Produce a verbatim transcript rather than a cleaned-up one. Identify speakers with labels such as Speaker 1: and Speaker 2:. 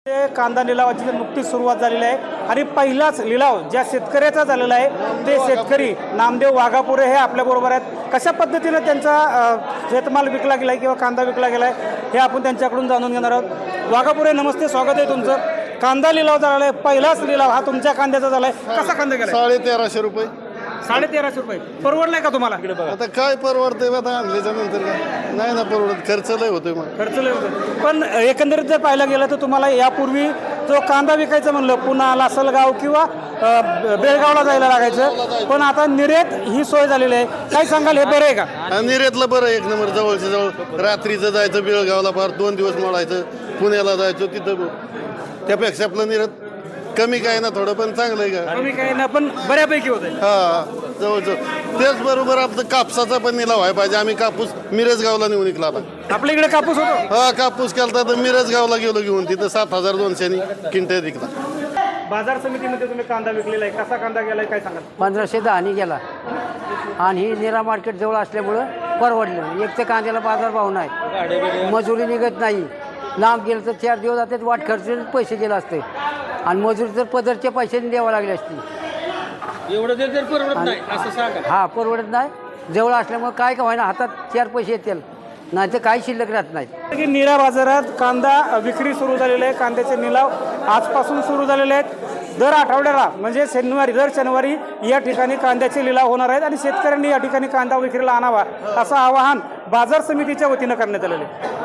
Speaker 1: ते कांदा लिलावाची नुकतीच सुरुवात झालेली आहे आणि पहिलाच लिलाव ज्या शेतकऱ्याचा झालेला आहे ते शेतकरी नामदेव वाघापुरे हे आपल्याबरोबर आहेत. कशा पद्धतीने त्यांचा अ, शेतमाल विकला गेला आहे किंवा कांदा विकला गेला आहे हे आपण त्यांच्याकडून जाणून घेणार आहोत. वाघापुरे नमस्ते, स्वागत आहे तुमचं. कांदा लिलाव झालेला आहे, पहिलाच लिलाव हा तुमच्या कांद्याचा झाला आहे. कसा कांदा गेला?
Speaker 2: साडे तेराशे रुपये.
Speaker 1: साडे तेराशे रुपये परवडलाय का तुम्हाला?
Speaker 2: आता काय परवडतंय आता आणल्याच्या नंतर काय नाही ना परवडत, खर्च लय होतोय मग.
Speaker 1: खर्च लय होतो. पण एकंदरीत जर पाहायला गेलं तर तुम्हाला यापूर्वी जो कांदा विकायचा म्हणलं पुन्हा लासलगाव किंवा अ, बेळगावला जायला लागायचं, पण आता निर्यात ही सोय झालेली आहे. काय सांगाल, हे बरं आहे का?
Speaker 2: आणि निर्यातलं बरं एक नंबर, जवळच्या जवळ. रात्रीचं जायचं बेळगावला, फार दोन दिवस मोडायचं, पुण्याला जायचं, तिथं त्यापेक्षा आपलं निर्यात कमी काय ना, थोडं पण चांगलं आहे का?
Speaker 1: कमी काही ना, पण बऱ्यापैकी होत आहे.
Speaker 2: हा जवळजवळ. त्याचबरोबर आपलं कापसाचा पण निलाव व्हायला पाहिजे. आम्ही कापूस मिरजगावला नेऊन विकला आता.
Speaker 1: आपल्या इकडे कापूस होतो.
Speaker 2: हा कापूस केला तर मिरजगावला गेलो घेऊन, तिथं सात हजार दोनशेनी क्विंटल विकला.
Speaker 1: बाजार समितीमध्ये तुम्ही कांदा विकलेला आहे, कसा कांदा गेलाय काय सांगाल?
Speaker 3: पंधराशे दहानी गेला आणि ही निरा मार्केट जवळ असल्यामुळं परवडलं. एक तर कांद्याला बाजारभाव नाही, मजुरी निघत नाही. लांब गेलं तर चार दिवस जातात, वाट खर्च पैसे गेले असते आणि मजुरी तर पदरच्या पैशाने द्यावं लागली असती.
Speaker 1: एवढं जर परवडत नाही असं सांगा.
Speaker 3: हा परवडत नाही. जवळ असल्यामुळे काय का व्हायना हातात चार पैसे येतील, नाही तर काही शिल्लक राहत नाही.
Speaker 1: निरा बाजारात कांदा विक्री सुरू झालेली आहे. कांद्याचे निलाव आजपासून सुरू झालेले आहेत. दर आठवड्याला म्हणजे शनिवारी दर शनिवारी या ठिकाणी कांद्याचे लिलाव होणार आहेत आणि शेतकऱ्यांनी या ठिकाणी कांदा विक्रीला आणावा असं आवाहन बाजार समितीच्या वतीनं करण्यात आलेलं आहे.